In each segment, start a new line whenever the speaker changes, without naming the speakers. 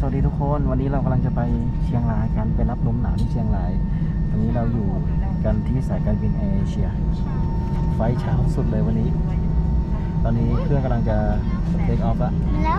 สวัสดีทุกคนวันนี้เรากำลังจะไปเชียงรายกันไปรับลมหนาวที่เชียงรายตอนนี้เราอยู่กันที่สายการบินแอร์เอเชียไฟล์เช้าสุดเลยวันนี้ตอนนี้เครื่องกำลังจะเทคออฟแล้ว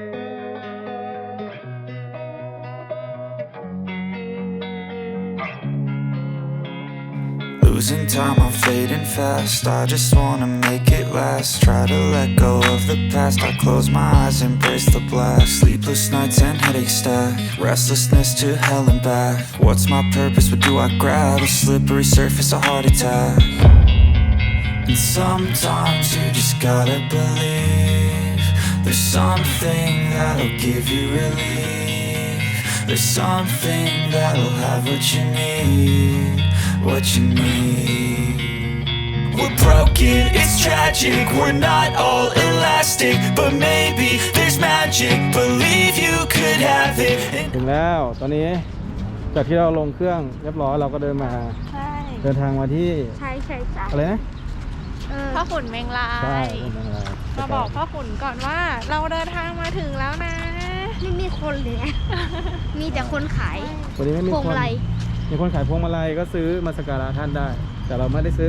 Losing time, I'm fading fast. I just wanna make it last. Try to let go of the past. I close my eyes, embrace the blast. Sleepless nights and headaches stack. Restlessness to hell and back. What's my purpose? What do I grab? A slippery surface, a heart attack. And sometimes you just gotta believe. There's something that'll give you relief. There's something that'll have what you need. What you need. We're broken, it's tragic. We're not all elastic, but maybe there's magic. Believe you could have it.
ถึงแล้วตอนนี้จากที่เราลงเครื่องเรียบร้อยเราก็เดินมาเดินทางมาที่
ใช่
อะไรนะ
พ่อขุนเมงลา
ใช่
ยมาบอกพ่อขุนก่อนว่าเราเดินทางมาถึงแล้วนะ
ไม่มีคนเลยนะมีแต่คนขาย
วันนี้ไม่มีคนมีคนขายพวงมาลัยก็ซื้อมาสักการะท่านได้แต่เราไม่ได้ซื้อ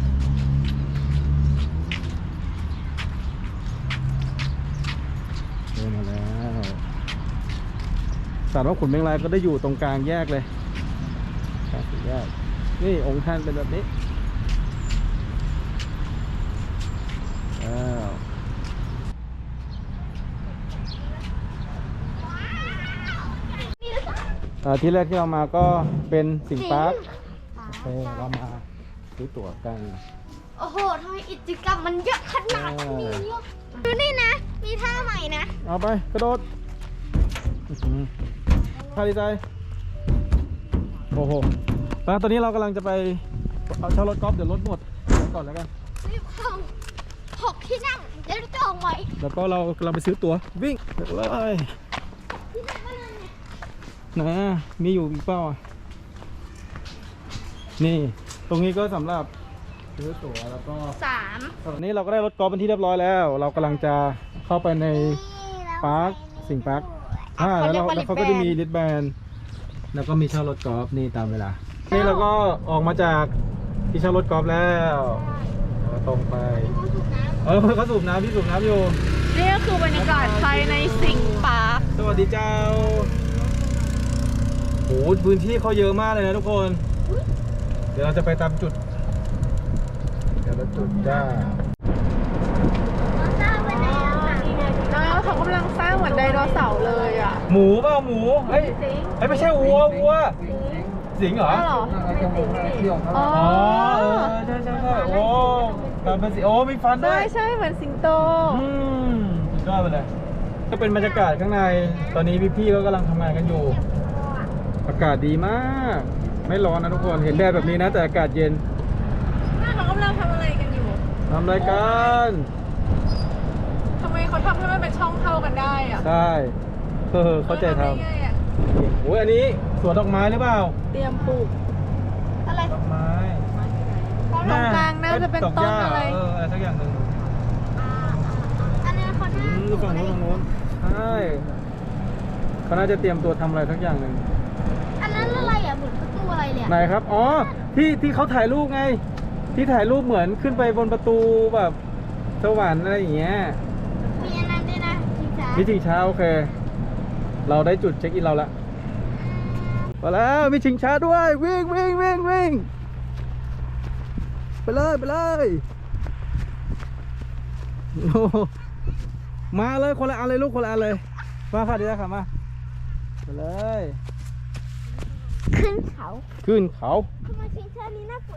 เดินมาแล้วศาลพ่อขุนเมงลายก็ได้อยู่ตรงกลางแยกเลยกลางสี่แยกนี่องค์ท่านเป็นแบบนี้ที่แรกที่เรามาก็เป็นสิงห์ปาร์คเรามาซื้อตั๋วกัน
โอ้โหทำไมกิจกรรมมันเยอะขนาดนี้ดูนี่นะมีท่าใหม่นะ
เอาไปกระโดดท่าดีใจโอ้โหแล้วตอนนี้เรากำลังจะไปเอาเช่ารถกอล์ฟเดี๋ยวรถหมดก่อนแล้วกัน
รีบเข้า6 ที่นั่งเดี๋ยวจองไว้
แล้วก็เรากำลังไปซื้อตั๋ววิ่งเลยนะมีอยู่อีกเป้านี่ตรงนี้ก็สำหรับซื้อตั๋วแล้วก็ตอนนี้เราก็ได้รถกอล์ฟเป็นที่เรียบร้อยแล้วเรากำลังจะเข้าไปในปาร์คสิงห์ปาร์คแล้วเขาก็จะมีริดแบนแล้วก็มีเช่ารถกอล์ฟนี่ตามเวลานี่เราก็ออกมาจากที่เช่ารถกอล์ฟแล้วตรงไปเขาสูบน้ำพี่สูบน้ำอยู่
นี่ก็คือบรรยากาศภายในสิงห์ปาร์ค
สวัสดีเจ้าโอ้พื้นที่เขาเยอะมากเลยนะทุกคนเดี๋ยวเราจะไปตามจุดแต่ละจุดจ้า
เขากำลังสร้างเหมือนไดโนเสาร์เลยอ่ะ
หมูเปล่าหมูเฮ้ยไม่ใช่วัวสิงเหรออ๋อใช่โอ้การเป็นสิโอ้มีฟันด้วย
ใช่เหมือนสิงโต
สุดยอดไปเลยก็เป็นบรรยากาศข้างในตอนนี้พี่ๆก็กำลังทำงานกันอยู่อากาศดีมากไม่ร้อนนะทุกคนเห็นแดดแบบนี้นะแต่อากาศเย็น
เขากำลังทำอะไรกันอยู่
ทำรายการ
ทำไมเขาทำให้มันเป็นช่องเท่ากันได้อะ
ใช่เข้าใจทำโอ้ยอันนี้สวนดอกไม้หรือเปล่า
เตรียมปลูก
อะไร
ดอกไม้
ตรงกลางน่าจะเป็นต้นอะไร
อะไรสักอย่างหนึ่ง
อันนี้เขาหน้า
ฝั่งโน้นใช่เขาน่าจะเตรียมตัวทำอะไรสักอย่างหนึ่ง
อันนั้นอะไรอ่ะเหมือนประตูอะไรเลย
ไหนครับอ๋อที่เขาถ่ายรูปไงที่ถ่ายรูปเหมือนขึ้นไปบนประตูแบบสวรรค์อะไรอย่างเงี้ย
มีอันนั้นด้วยนะ
มีชิงช้าโอเคเราได้จุดเช็คอินเราละมาแล้วมีชิงช้าด้วยวิ่งไปเลยโอ้มาเลยคนละอันเลยลูกคนละอันเลยมาค่ะดีแล้วค่ะมาเลย
ขึ้นเขา
ท
ำไมชิงช้านี้น่ากลัว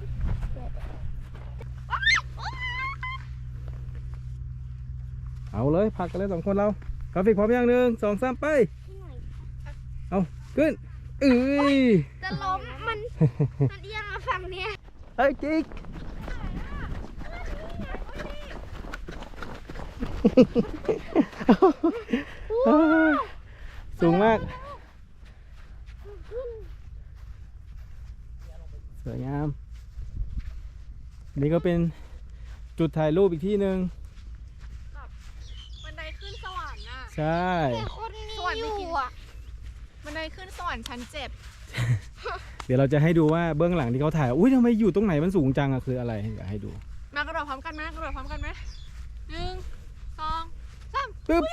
เอาเลยพักกันเลย2 คนเรากราฟิกพร้อมยัง1 2 3ไปเอาขึ้น
จะล้มมันเอียงมาฝั่งเนี้ย
เฮ้ยจิ๊กสูงมากสวยงามนี่ก็เป็นจุดถ่ายรูปอีกที่หนึ่ง
บันไดขึ้นสวรรค์น่ะ
ใช่
คนนี้อยู่อ่ะ
บันไดขึ้นสวรรค์ชั้น
เดี๋ยวเราจะให้ดูว่าเบื้องหลังที่เขาถ่ายอุ้ยทำไมอยู่ตรงไหนมันสูงจังอะคืออะไรอยากให้ดู
7มากระโดดพร้อมกันไหมกระโดดพร้อมกันไหม1 2
ปึ๊บ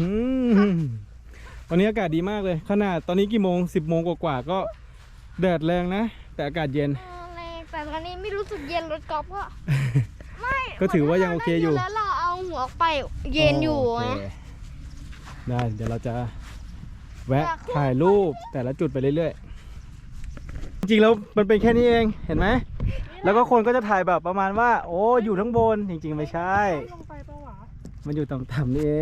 วันนี้อากาศดีมากเลยขนาดตอนนี้กี่โมง10 โมงกว่าๆก็แดดแรงนะแต่อากาศเย็น
แรงแต่ตอนนี้ไม่รู้สึกเย็นรถกอล์ฟก็ไม่
ก็ถือว่ายังโอเคอยู่
แล้วเราเอาหัวออกไปเย็นอยู่
โเค
นะ
ได้เดี๋ยวเราจะแวะถ่ายรูปแต่ละจุดไปเรื่อยๆ จริงๆแล้วมันเป็นแค่นี้เองเห็นไหมแล้วก็คนก็จะถ่ายแบบประมาณว่าโอ้อยู่ทั้งบนจริงๆไม่ใช่
ลงไปปะวะ
มันอยู่ต่ำๆนี่เอง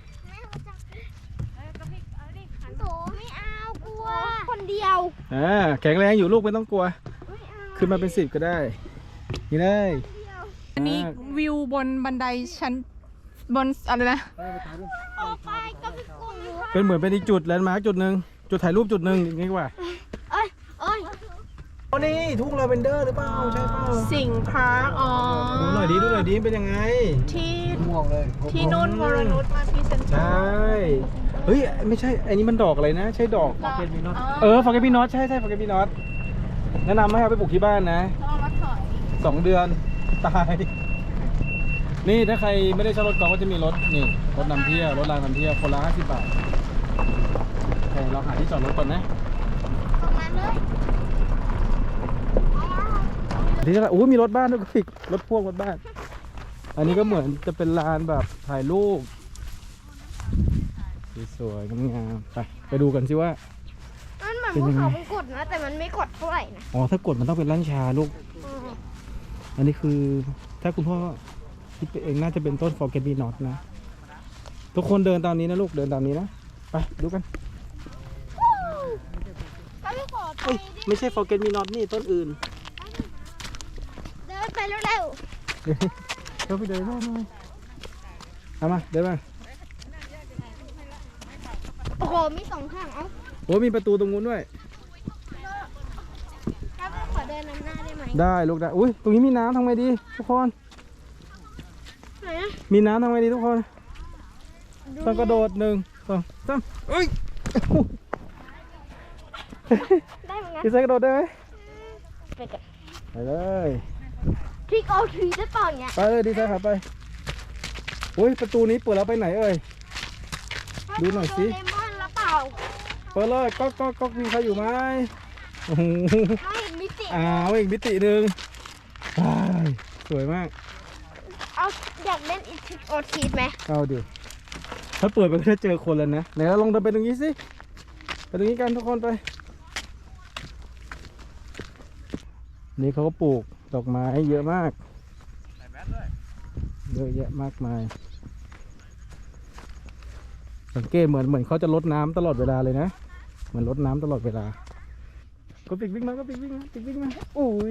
โตไม่เอากลัวคนเดียว
แข็งแรงอยู่ลูกไม่ต้องกลัว
ไม่เอา
ขึ้นมาเป็น10ก็ได้นี่เลย
อันนี้วิวบนบันไดชั้นบนอะไรนะ
ออกไปก็ไม่กลัวหนู
เป็นเหมือนเป็นอีกจุดแลนด์มาร์คจุดหนึ่งจุดถ่ายรูปจุดหนึ่งอย่างนี้ดีกว่า
เอ้ย
โอ้นี่ทุ่งลาเวนเดอร์หรือเปล่าใช่เปล่า
สิงห์พาร์คอ๋อ
ดูหน่อยดิเป็นยังไง
ที่
ม่วงเลย
ที่นุ่นวรนุชมาพรีเซนเตอร์
ใช่เฮ้ยไม่ใช่อันนี้มันดอกอะไรนะใช่ดอกฟอร์เกตมีนอตใช่ฟอร์เกตมีนอตแนะนำให้เอาไปปลูกที่บ้านนะ
ต้องมาถอย
2 เดือนตายนี่ถ้าใครไม่ได้ใช้รถกอล์ฟก็จะมีรถนี่รถนำเที่ยวรถรางนำเที่ยวคนละ50 บาทโอเคเราหาที่จอดรถก่อนนะ
ออกมาเลย
ที่จะมีรถบ้านด้วยก็ฟิกรถพ่วงรถบ้าน อันนี้ก็เหมือนจะเป็นลานแบบถ่ายรูปสวยๆงามๆไปดูกันสิว่า
มันเหมือนภูเขามันกดนะ แต่มันไม่กดเท่าไหร่นะ
อ๋อถ้ากดมันต้องเป็นลั่นชาลูก อันนี้คือถ้าคุณพ่อคิดไปเองน่าจะเป็นต้น Forget Me Not นะ ทุกคนเดินตามนี้นะลูกเดินตามนี้นะ ไปดูกัน
ก็ไม่ขอไป
เอ้ย
ดิ
ไม่ใช่ Forget Me Not นี่ต้นอื่น
เดินไปเร็ว
เราไปเดินได้ไหมเอามาเดินมา
ๆโอ้โห มี2ข้างเอ้า
โอ้มีประตูตรงนู้นด้วย
แล้วก็ขอเดินนำหน้าได้ไหม
ได้ลูกได้อุ้ยตรงนี้มีน้ำทำไงดีทุกคน
ไหนอะ
มีน้ำทำไงดีทุกคนต้องกระโดด1 2 3เอ้ย
ได้เหมือนกัน
พี่เซ็กกระโดดได้ไหม
ไปกัน
ไปเลย
ทริกเอาทรีได้เปล่าเนี่ย
ไปเลยดีไซน์ครับไปอุ้ยประตูนี้เปิดแล้วไปไหนเอ่ย ดูหน่อยสิ
โดเรมอนแล้วเปล่า
เปิดเลยก๊อกมีใครอยู่ไหมโอ้โห
ไม่เห็นมิติ
อีกมิติหนึ่งว้ายสวยมาก
เอาอยากเล่นอีทริกเอาทรีไหม
เอาดิถ้าเปิดไปก็จะเจอคนแล้วนะไหนเราลองเดินไปตรงนี้สิไปตรงนี้กันทุกคนไปนี่เขาก็ปลูกดอกไม้เยอะมากเยอะแยะมากมายสังเกตเหมือนเขาจะรดน้ำตลอดเวลาเลยนะเหมือนรดน้ำตลอดเวลาก็ปิกวิ่งมาอุ้ย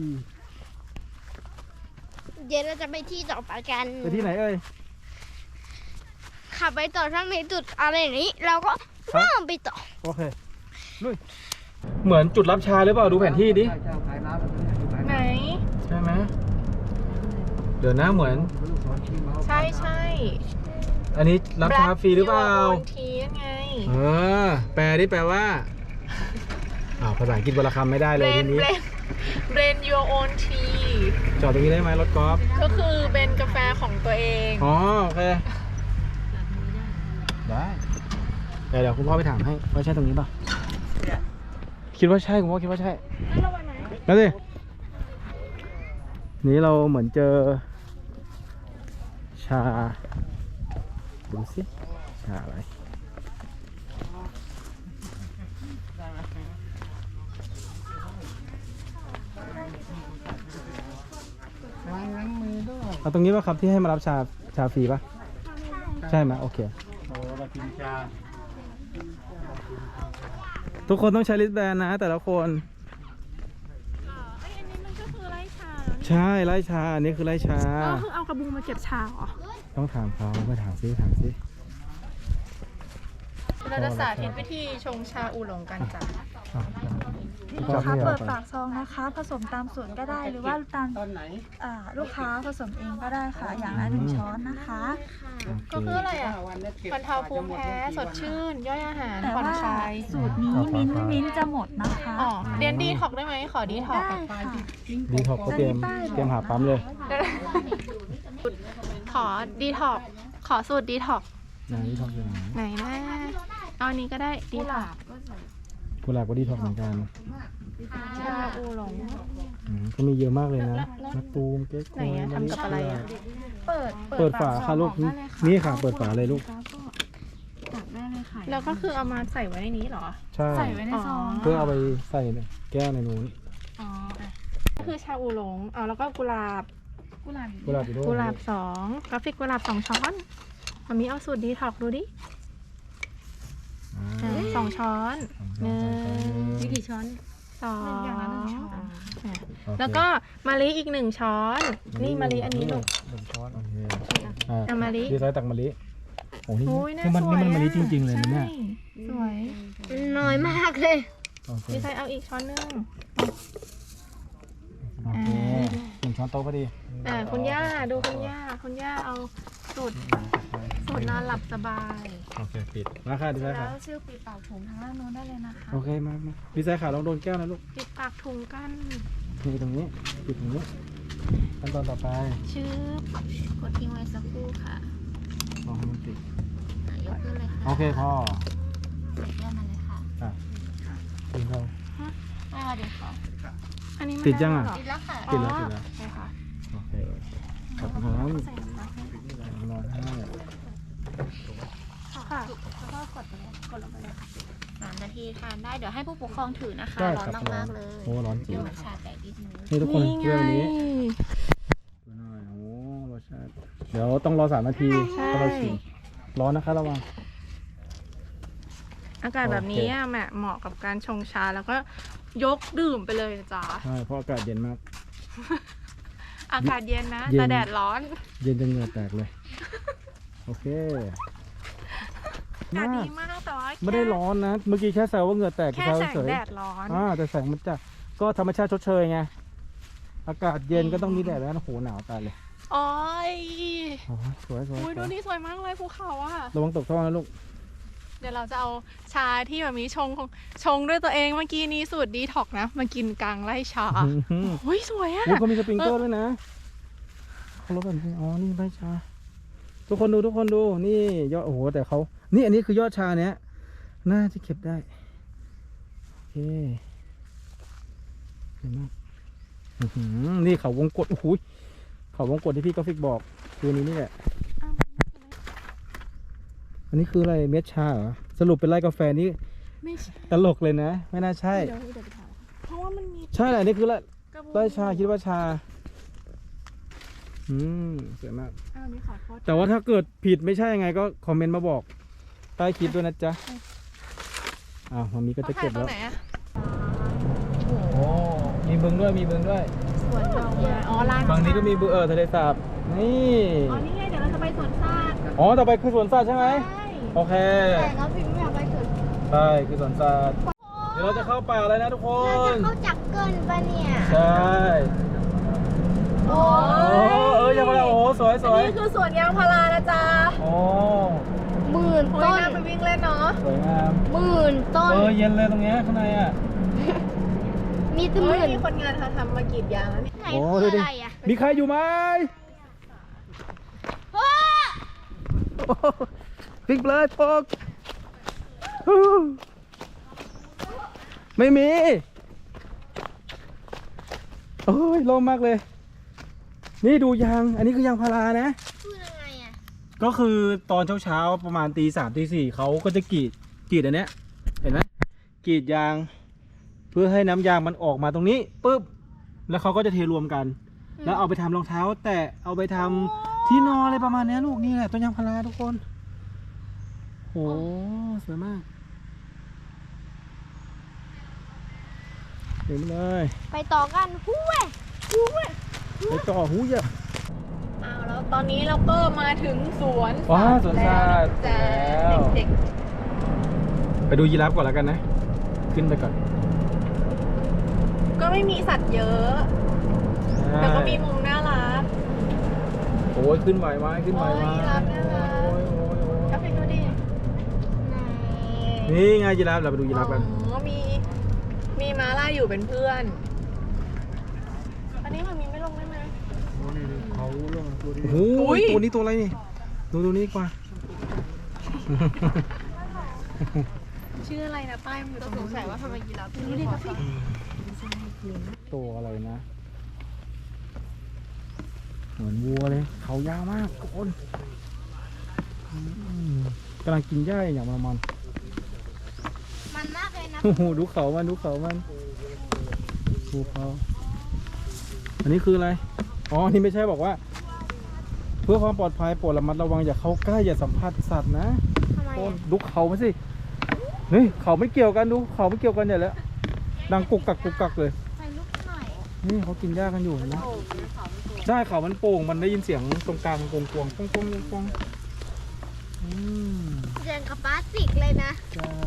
เดี๋ยวเราจะไปที่ต่อไปกัน
ไปที่ไหนเอ่ย
ขับไปต่อถ้ามีจุดอะไรอย่างนี้ เราก็ข้ามไปต่อ
โอเคลุยเหมือนจุดรับชาหรือเปล่าดูแผนที่ดิ
ไหน
ใช่ไหมเดี๋ยวนะเหมือน
ใช่ใช่
อันนี้รับชาฟรีหรือเปล่า
ทีนั่นไง
แปลดิแปลว่าภาษาอังกฤษวรรณคำไม่ได้เลยทีนี้
Blend your own tea
จอดตรงนี้ได้ไหมรถกอล์ฟ
ก็คือเป็นกาแฟของตัวเอง
อ๋อโอเคได้เดี๋ยวคุณพ่อไปถามให้ว่าใช่ตรงนี้ป่ะคิดว่าใช่คุณพ่อคิดว่าใช่แล้วสินี้เราเหมือนเจอชาดูสิชาอะไรเอาตรงนี้ป่ะครับที่ให้มารับชาฟรีป่ะใช่ไหมโอเคทุกคนต้องใช้ลิสแบนนะแต่ละคน
อันนี้มันก็คือไร่ชา
ใช่ไร่ชาอันนี้คือไร่ชา
ก็คือเอากระบุงมาเก็บชาเหรอ
ต้องถามเขาไปถามซิ
เราจะสาธิตวิธีชงชาอูหลงกันจ้ะ
อ่ะ
ลูกค้าเปิดปากซองนะคะ ผสมตามสูตรก็ได้หรือว่าตามลูกค้าผสมเองก็ได้ค่ะ อย่างละ1 ช้อนนะคะ
ก็คืออะไรอ่ะบรรเทาภูมิแพ้สดชื่น ย่อยอาหาร
แต่
ผ่อน
ว่า
คลาย
สูตรนี้มิ้นท์จะหมดนะคะ
อ๋อเรียนดีท็อกได้ไหมขอดีท็อก
ได้ค่ะ
ดีท็อกก็เตรียมหาปั๊มเลย
ขอดีท็อกขอสูตรดีท็อก
ไหนดีท็อกอยู่ไหน
ไหนนะเอาอันนี้ก็ได้ดีท็อก
กุหลาบก็ดีท็อกเหมือนกัน
ชาอูหลง
ก็มีเยอะมากเลยนะมะตูมเก๊กฮ
ไหน
วย
อะทำกับอะไรอะ
เปิดฝาค่ะลูกนี่ค่ะเปิดฝาเลยลูก
แล้วก็คือเอามาใส่ไว้ในนี้เหรอ
ใช่
ใส่ไว้ในซอง
เพื่อเอาไปใส่แก้วในนู้น
อ๋ออ่ะก็คือชาอูหลงเอาแล้วก็กุหลาบ
กุหลาบอยู่ด้วย
กุหลาบ2กราฟิกกุหลาบ2 ช้อนมามีเอาสูตรดีท็อกดูดิ 2 ช้อน1
กี่ช้อน
2
อย่างละ1 ช้อน
แล้วก็มะลิอีก1 ช้อน นี่มะลิอันนี้ลูก
1 ช้อนโอเค
เอามะลิ
ดีไซน์ตักมะลิโอ้นี่
โอ้ยน่า
นี่มัน
สวย
นี่มันมะลิ
อะ
จริงๆเลยนะเนี่ย
ใช่สวย
น้อยมากเลย
โอเค
ดีไซน์เอาอีกช้อนนึง
โอเค1 ช้อนโต๊ะพอดี
คุณย่าดูคุณย่าเอาสูตรนอนหลับสบาย
โอเคปิดมาค่ะดีไซน์
แล้
ค่ะ
วซิลปีเป่าผมทางด้านโน้นได้เลยนะคะ
โอเคมาดีไซน์ค่ะลองโดนแก้วนะลูก
ปิดปากถุงกัน
นี่ตรงนี้ปิดตรงนี้ขั้นตอนต่อไป
ชื่อกดทิ้งไว้สักครู่ค่ะ
ลองให้มันติด
ยกขึ้นเลยค่ะ
โอเคพอ
เลื่อนมาเลยค่ะ
อ่ะติดเรา
ไม่เอาเดี๋ยวขอ
อันนี้มัน
ติดยังอะ
ไเหร
ติดแล้วค่ะ
ติดแล้วติดแล้ว
ใช่ค่ะ
โอเคขอบคุณครับ
ใส่น้ำให้
รอให้
ค่ะแล้วก็กดไปเลยกดลงไปเลยค่ะ
3 นาทีทานได้ เดี๋ยวให้ผู้ปกครองถือนะคะ
ได้
ร้อน
ครับ
มากๆเลย
โอ้ร้อนจริ
เดี๋
ง
ยวมันชาแต่นิดนึง
นี่ทุกคน
นี่ไง
เรื่องนี้ดูหน่อยโอ้รสชาติเดี๋ยวต้องรอ3 นาที
ใช่
ถ้าเราชิมร้อนนะคะระวัง
อากาศแบบนี้อะแม่เหมาะกับการชงชาแล้วก็ยกดื่มไปเลยจ้า
ใช่เพราะอากาศเย็นมาก
อากาศเย็นนะ
เย็น
แต่แดดร้อน
เย็นจนเหงื่อแตกเลย โอเค
อากาศดีมากแต่ว่า
ไม่ได้ร้อนนะ เมื่อกี้แค่แซวว่าเหงื่อแตก
แค่แสง
เฉย
แดดร้อน
แต่แสงมันจะก็ธรรมชาติชดเชยไงอากาศเย็นก็ต้องมีแดดแล้วนะโหหนาวตายเลย
โอ้ย
โอ้ยสวยสวย
อุ้ยดูนี่สวยมากเลยภูเขาอะ
ระวังตกท่อนะลูก
เดี๋ยวเราจะเอาชาที่แบบนี้ชงด้วยตัวเองเมื่อกี้นี้สูตรดีท็อกนะ มากินกลางไร่ชา
อื้อหือ
โอ้ยสวยอะ
อุ๊ยเขามีสปริงเกอร์ด้วยนะเขาลดกันอ๋อนี่ใบชา ทุกคนดูนี่ยอดโอ้โหแต่เขานี่อันนี้คือยอดชาเนี้ยน่าจะเก็บได้โอเคเห็นไหมอื้อหือนี่เขาวงกตโอ้โหเขาวงกตที่พี่กราฟิกบอกคือนี้นี่แหละอันนี้คืออะไรเม็ดชาเหรอสรุปเป็นไร่กาแฟนี่
ไม่ใช่
ตลกเลยนะ ไม่น่าใช่
เดี๋ยวไปถามเพราะว่ามันมี
ใช่แหละนี่คือไร่
กระบวน
ไร่ชาคิดว่าชาสวยมาก
อ้าวนี่ขอโทษ
แต่ว่าถ้าเกิดผิดไม่ใช่ยังไงก็คอมเมนต์มาบอกใต้คลิปด้วยนะจ๊ะมันมีก็จะเก็บ
ตร
แล้
ง
ว
ไหนอะ
โอ้มีบึงด้วย
สวนเราเลยอ๋อร้าน
ฝั่งนี้ก็มีบึงทะเลสาบนี่
อ๋อนี่ไงเดี๋ยวเราจะไปสวนสัตว์
ต่อไปคือสวนสัตว์ใช่ไหม
ใช่
โอเค
แต่เราพิมพ์ไม่เอาไปถึง
ใช่คือสวนสัตว์เดี๋ยวเราจะเข้าป่าเลยนะทุกค
เราจะ
น
เข้าจักเกินปะเนี่ย
ใช่
โอ้
ยังไงโอ้สวย
อันนี้คือสวนยางพารานะจ๊ะ
โอ้
หมื่น
โอ้ย
ต้น
น่าไปวิ่งเล่นเนาะ
สวยงาม
หมื่นต้น
เย็นเลยตรงเนี้ยข้างในอ่ะ
มีตั้งห
เฮ้ย
มื่น
มีคนงานทำมากรีดยางแล้วนี่
ไหน
โอ้
คื
ดู
อ
ดิ
อะไรอ่ะ
มีใครอยู่ไหม
โอ้
ปิกเลยพกไม่มี โอ้ยลมมากเลย นี่ดูยาง อันนี้คือยางพารานะ
คือยังไงอ่ะ
ก็คือตอนเช้าๆประมาณตี 3ตี 4เขาก็จะกรีดอันเนี้ย เห็นไหมกรีดยาง เพื่อให้น้ำยางมันออกมาตรงนี้ปุ๊บ แล้วเขาก็จะเทรวมกัน แล้วเอาไปทำรองเท้า แตะเอาไปทำที่นอนอะไรประมาณเนี้ยลูกนี่แหละต้นยางพาราทุกคนโหสวยมากเห็นเลย
ไปต่อกันหู้ยหู้ย
ไปต่อหูยอะ
อ้าวแล้วตอนนี้เราก็มาถึงสวน
ว้าสวนสัตว์
จ้า
แล้ว
เด็ก
ไปดูยีราฟก่อนแล้วกันนะ ขึ้นไปก่อน
ไม่มีสัตว์เยอะ แต่ก็มีมุมน่ารัก
โอ้ยขึ้นไหวไหมขึ้นไหวไหม
โอ้ยยีราฟน่ารัก
โอ้ยโอ้ยโอ้ย
ก็ไปดูดิ
นี่ไงยีราฟเราไปดูยีราฟกัน
อ๋อมีม้าลายอยู่เป็นเพื่อน อันนี้มันมีไม่ลงได้ไหม
เขาลงตัวนี้โอ้โหตัวนี้ตัวอะไรนี่ดูตัวนี้ดีกว่า
ชื่ออะไรนะป้ายมันต้องสงสัยว่าทำไมยีราฟดูดิกาแฟ
ตัวอะไรนะเหมือนวัวเลยเขายาวมากทุกคนกำลังกินหญ้าอย่างมัน
มันมากเลยนะ
โอ้โหดูเขามันดูเขาอันนี้คืออะไรอ๋อนี่ไม่ใช่บอกว่า เพื่อความปลอดภัยโปรดระมัดระวังอย่าเข้าใกล้อย่าสัมผัสสัตว์นะ
ทำไม
ต้น
อะ
ดูเขามาสิเฮ้ยเขาไม่เกี่ยวกันดูเขาไม่เกี่ยวกันใหญ่แล้วดังกุกกักเลย
ไปลุกหน่อย
นี่เขากินหญ้ากันอยู่เห็นไหมใช่เขามันโป่งมันได้ยินเสียงตรงกลางกวงป้อง
เดินกับพลาสติกเลยนะ
ใช่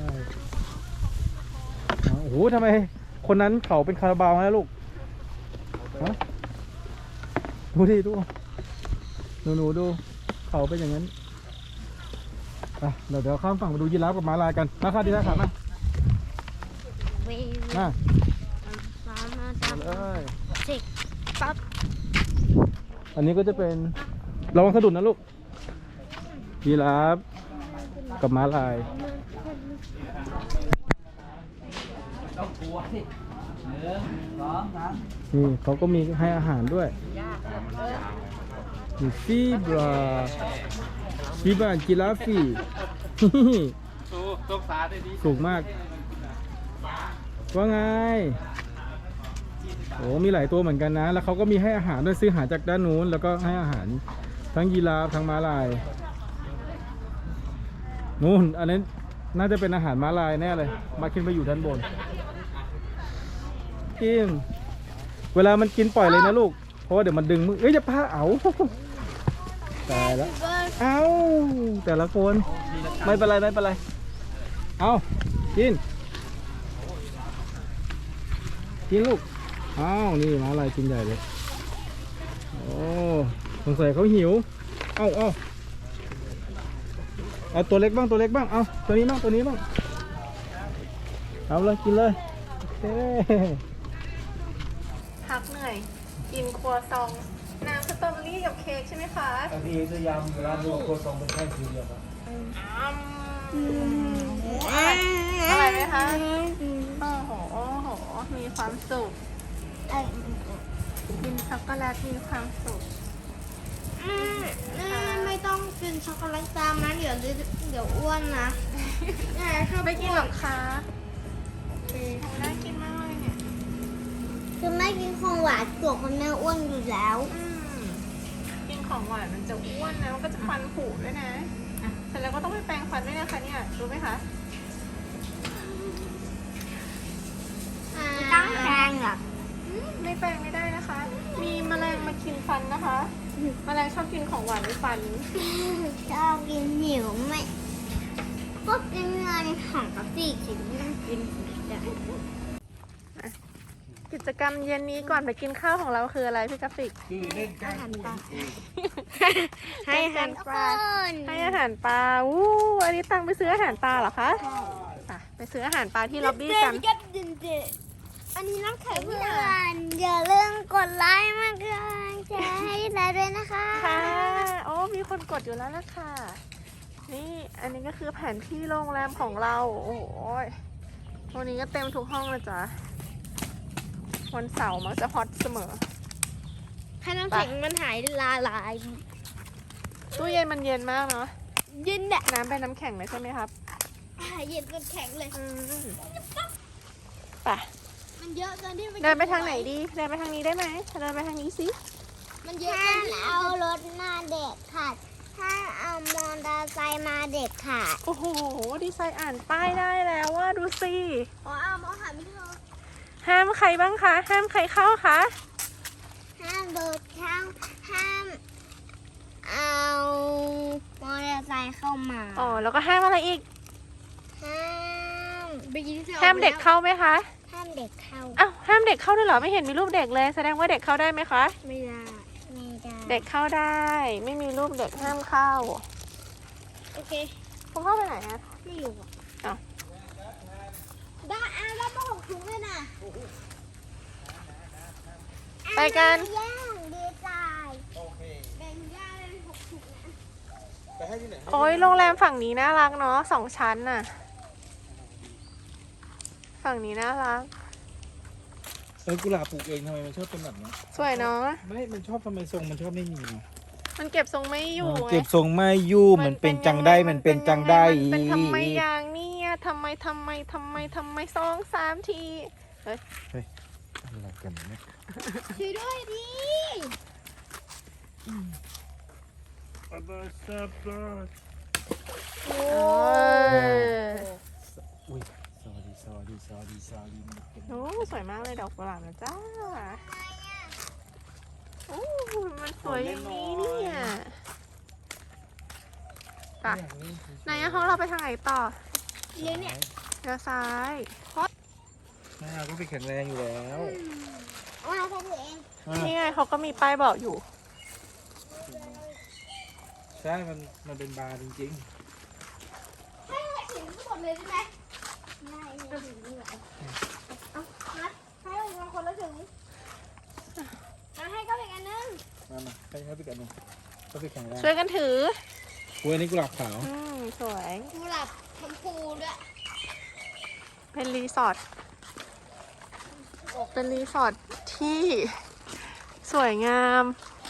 โอ้โหทำไมคนนั้นเขาเป็นคาราบาวนะลูกฮะดูดิดูหนูดูเขาเป็นอย่างนั้นอ่ะเดี๋ยวข้ามฝั่งมาดูยีราฟกับม้าลายกันมาค่ะดีนะขามา
วี
มา
ฟ้ามา
เอา
ดำ
เลย
จิกปั๊บ
อันนี้ก็จะเป็นระวังสะดุดนะลูกยีราฟกับม้าลายนี่เขาก็มีให้อาหารด้วยมีฟีบราจิราฟีสูงมากว่าไงโอ้มีหลายตัวเหมือนกันนะแล้วเขาก็มีให้อาหารด้วยซื้ออาหารจากด้านนู้นแล้วก็ให้อาหารทั้งยีราฟทั้งม้าลายนู่นอันนี้น่าจะเป็นอาหารม้าลายแน่เลยมาขึ้นไปอยู่ด้านบนกินเวลามันกินปล่อยเลยนะลูกเพราะว่าเดี๋ยวมันดึงมือเอ้ยจะพาเอาตายแล้วเอาแต่ละคนไม่เป็นไรเอากินลูกอ้าวนี่ม้าลายกินใหญ่เลยโอ้สงสัยเขาหิวเอาตัวเล็กบ้างเอาตัวนี้บ้างเอาเลยกินเลยโอเค
พักเหนื่อย กินครัวซอง น้ำสตรอเบอรี่กับเค้กใช่ไหมคะ
อันนี้จะยำร้านโคซองเป็นแค่สีเดียวครับ
อร่อยไหมคะโอ้โห มีความสุข กินช็อกโกแลตมีความสุข
ไม่ต้องกินช็อกโกแลตตามนะเดี๋ยวอ้วนนะ
ไม่กินหรอกคะน่ากินมากเลยเนี่ย
คือไม่กินของหวานตัวคนแม่อ้วนอยู่แล้ว
กินของหวานมันจะอ้วนนะ มันก็จะฟันผุด้วยนะเสร็จแล้วก็ต้องไปแปรงฟันด้วยนะคะเนี่ย รู้ไหมคะ
ไม่ต้องแพงหรอก
ไม่แปรงไม่ได้นะคะ มีแมลงมากินฟันนะคะ แมลงชอบกินของหวานในฟัน
ชอบกินหิวไม่ก็กินเงินของกะปิกินไม่ต้องกินสีแดง
กิจกรรมเย็นนี้ก่อนไปกินข้าวของเราคืออะไรพี่กราฟิก
อาหารปลา
ให้อาหารปลา ให้อาหารปลาอู้อันนี้ตังไปซื้ออาหารปลาเหรอคะไปซื้ออาหารปลาที่ล็อบบี้กัน
อันนี้น้ำแข็งเพื่อนอย่าลืมกดไลค์มากเกินแชร์ให้ได้ด้วยนะคะ
ค่ะโอ้มีคนกดอยู่แล้วนะคะ นี่อันนี้ก็คือแผนที่โรงแรมของเรา โอ้โหวันนี้ก็เต็มทุกห้องเลยจ้ะวันเสาร์มักจะฮอตเสมอ
ให้น้ำแข็งมันหายละลาย
ตู้เย็นมันเย็นมากเนาะ
เย็นแหละ
น้ำเป็นน้ำแข็งเลยใช่ไหมครับ
เย็นจนแข็งเลย
ไป
มันเยอะจนที่
เดินไปทางไหนดี เดินไปทางนี้ได้ไหมเดินไปทางนี้สิ
มันเยอะจนที่เอารถมาเด็กขาดถ้าเอามอเตอร์ไซค์มาเด็กขาด
โอ้โห ดีไซน์อ่านป้ายได้แล้วว่าดูสิ
อ๋อเอามาหาไม่เจอ
ห้ามใครบ้างคะ ห้ามใครเข้าคะ
ห้ามโดดเข้าห้ามเอามอเตอร์ไซค์เข้ามา
แล้วก็ห้ามอะไรอีก
ห้ามไปกิน
ห้ามเด็กเข้าไหมคะ
ห้ามเด็กเข้า
อ้าวห้ามเด็กเข้าด้วยเหรอไม่เห็นมีรูปเด็กเลยแสดงว่าเด็กเข้าได้ไหมคะ
ไม่ได้ไม่ได้
เด็กเข้าได้ ไม่มีรูปเด็กห้ามเข้า
โอเค
คุณเข้าไปไหนอะ
ไม่อยู่อ่ะ
อ้าว
ได้แล้วต้องหกถุงเลยนะ
ไปกัน
ย่างดีใจแบ่งย่างเป็น6 ถุงนะ
ไปให้ที่ไหน
โอ้ยโรงแรมฝั่งนี้น่ารักเนาะ2 ชั้นน่ะ ฝั่งนี้น่ารัก
กุหลาบปลูกเองทำไมมันชอบเป็นแบบนี้
สวยเนาะ
ไม่มันชอบทำไมทรงมันชอบไม่มีนะ
มันเก็บทรงไม่อยู่ไง
เก็บทรงไม่อยู่มันเป็นจังได้มันเป็นจังได้
มันเป็นทำไมอย่างเนี้ยทำไม2 3 ที
อะไรกันเนี่ย
ช่วยด้วยดิ
โอ้ย
อุ้ย sorry
โอ้สวยมากเลยดอกกุหลาบนะจ้าโอ้มันสวยอย่างนี้เนี่ยไปไหนอะห้องเราไปทางไหนต่อ
เลี้ยงเนี่ย
เลี้ยวซ้าย
แม่ก็ไปแข็งแรงอยู่แล้ว
เอามาใช้ถือเอง
นี่ไงเขาก็มีป้ายบอกอยู่
ใช่มันเป็นบาร์จริง
ให้ถึงทั้งหมดเลยได้ไหมได้ไม่ถึงนี่แหละเอานัดให้เราคนละถุงนัดให้ก็อีกอันนึง
ๆมาให้ไปกันหนึ่งก็ไปแข็งแรง
ช่วยกันถือ
กล้วยนี่กุหลาบขาว
สวย
กุหลาบชมพูด้วย
เป็นรีสอร์ท เป็นรีสอร์ทที่สวยงาม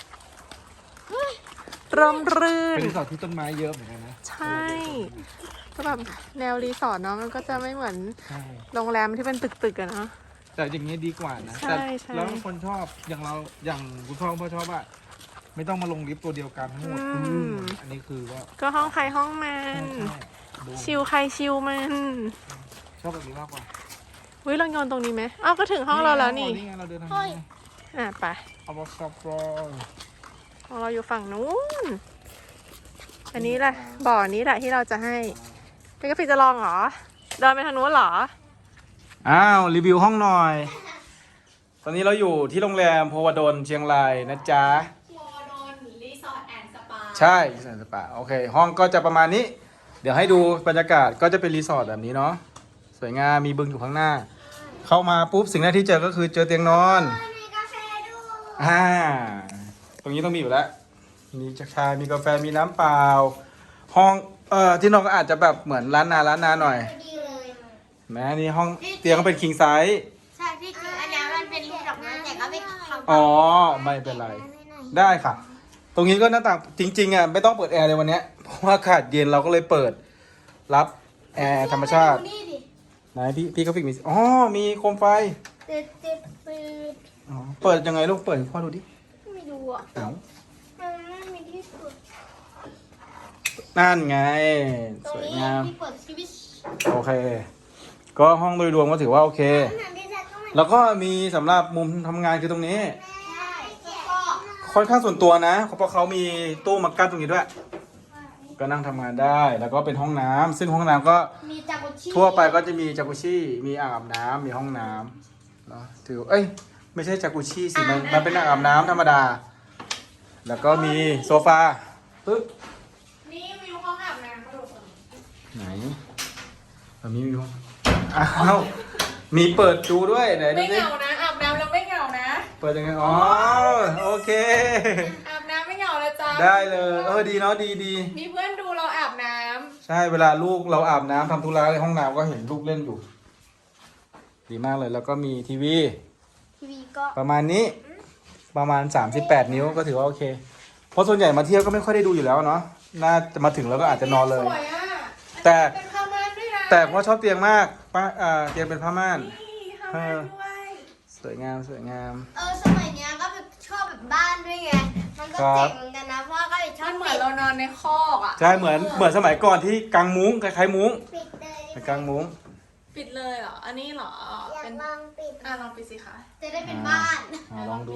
ร่มรื่น
เป็นรีสอร์ทที่ต้นไม้เยอะเหมือนกันนะ
ใช่ก็แบบแนวรีสอร์ทเนาะมันก็จะไม่เหมือน
ใช่
โรงแรมที่เป็นตึกๆอะเนาะ
แต่อย่างนี้ดีกว่านะ
ใช่
แต่
ใช่
แล้วคนชอบอย่างคุณพ่อชอบว่าไม่ต้องมาลงลิฟต์ตัวเดียวกันทั้งหมดอันนี้คือว่า
ก็ห้องใครห้องมัน
ใช่ดู
ชิลใครชิลมัน
ชอบแบบนี้มากกว่า
วิเราโยนตรงนี้ไหมอ้าวก็ถึงห้องเราแล้วนี่
นี่ไงเราเดินทางนี้ไง
ไป
เอาบอสซับรอ
ของเราอยู่ฝั่งนู้น อันนี้แหละบ่อนี้แหละที่เราจะให้เป็นกาแฟจะลองเหรอ เดินไปทางนู้นเหรอ
อ้าวรีวิวห้องหน่อย ตอนนี้เราอยู่ที่โรงแรมโพวดลเชียงรายนะจ๊ะโพวดลรีสอร์ทแอนด์สปาใช่รีสอร์ทสปาโอเคห้องก็จะประมาณนี้ เดี๋ยวให้ดูบรรยากาศก็จะเป็นรีสอร์ทแบบนี้เนาะสวยงามมีบึงอยู่ข้างหน้า เข้ามาปุ๊บสิ่งแรกที่เจอก็คือเจอเตียงนอน
มีกาแฟด้วย
ตรงนี้ต้องมีอยู่แล้วมีชามีกาแฟมีน้ำเปล่า ห้องที่นอนก็อาจจะแบบเหมือนร้านนาหน่อย
ดีเลย
แม้นี่ห้องเตียงก็เป็นคิงไซส์
ใช่ที่จริงอันนี้มันเป็นรูปดอกไม้แต่ก็ไม่ทำ
อ๋อไม่เป็นไร ได้ค่ะ ตรงนี้ก็หน้าต่างจริงๆอ่ะไม่ต้องเปิดแอร์เลยวันเนี้ยเพราะว่าอากาศเย็นเราก็เลยเปิดรับแอร์ธรรมชาติ
นี่ดิ
ไหนพี่ก็ฟิกมีอ๋อมีโคมไฟ
ติด
อ๋อเปิดยังไงลูกเปิดให้พ่อดูดิ
ไม่ดูอ่ะ
เอ้า
มันไม่มีที่สุด
นั่นไง
ตร
ส
ง
วย
นี้
งาม
ที่เปิดสวิตช์
โอเค ก็ห้องโดยรวมก็ถือว่าโอเค แล้วก็มีสำหรับมุมทำงานคือตรงนี้
ใช่แล้วก็
ค่อนข้างส่วนตัวนะเพราะเขามีตู้มากั้นตรงนี้ด้วย ก็นั่งทำงานได้ แล้วก็เป็นห้องน้ำซึ่งห้องน้ำก็
มีจากุชิ
ทั่วไปก็จะมีจากุชิมีอ่างอาบน้ำมีห้องน้ำเนาะถือเอ้ยไม่ใช่จากุชิสิมันเป็นอ่างอาบน้ำธรรมดา แล้วก็มีโซฟาปึ๊บ
นี่วิวห้องอาบน้ำกระโดด
ไหนแบบนี้มีห้องอ้าวมีเปิดดูด้วยไหนดู
ไม่
สิ
เหงานะ อาบน้ำแล้วไม่เหงานะ
เปิดยังไงอ๋อโอเค
อาบน้ำไม่เหงาเลยจ้า
ได้เลยดีเนาะดี
มีเพื่อนดูเราอาบน้
ใช่เวลาลูกเราอาบน้ำทำธุระในห้องน้ำก็เห็นลูกเล่นอยู่ ดีมากเลยแล้วก็มีทีวี
ทีวีก็
ประมาณนี้ประมาณ 38 นิ้วก็ถือว่าโอเค เพราะส่วนใหญ่มาเที่ยวก็ไม่ค่อยได้ดูอยู่แล้วเนาะน่าจะมาถึงแล้วก็อาจจะนอนเลย
สวยอ่ะ
แต่
เป็นผ้าม่านด้วยนะ
แต่พ่อชอบเตียงมากป้าเตียงเป็นผ้าม่าน
นี่ผ้าม่านด้วย
สวยงามสวยงาม
สมัยเนี้ยก็แบบชอบแบบบ้านด้วยไง มันก็
ครับ
เจ๋งเหมือนกันนะ เพราะว่าก็ชอ
มั
บ
นเหมือนเรานอนในคอกอ่ะ
ใช่เหมือนสมัยก่อนที่กางมุ้งคล้ายๆมุ้ง
ปิดเลย
กางมุ้ง
ปิดเลยเหรอ อันนี้เหรอ
อยาก
เป็น
ลองปิด
ลองปิดสิคะ
จะได้เป็นบ้าน
ลองดู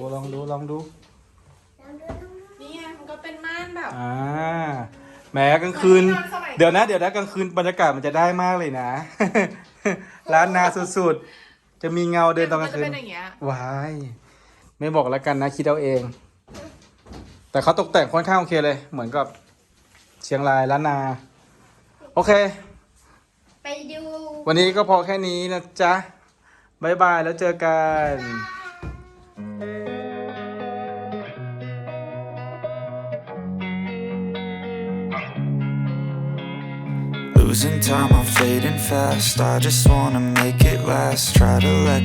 นี่ไงมันก็เป็นม่านแบบ
แหมกลางคืน
เหมือนที่นอนสมัย
เดี๋ยวนะกลางคืนบรรยากาศมันจะได้มากเลยนะ ร้านนาสุดจะมีเงาเดินตอนกลางคืน
มัจะเป็นอย่างเงี้ย
ว้าย ไม่บอกแล้วกันนะ คิดเอาเอง แต่เขาตกแต่งค่อนข้างโอเคเลย เหมือนกับเชียงรายล้านนา โอเค
ไปดู
วันนี้ก็พอแค่นี้นะจ๊ะบายบายแล้วเจอกัน
Losing time, I'm fading fast. I just wanna make it last. Try to let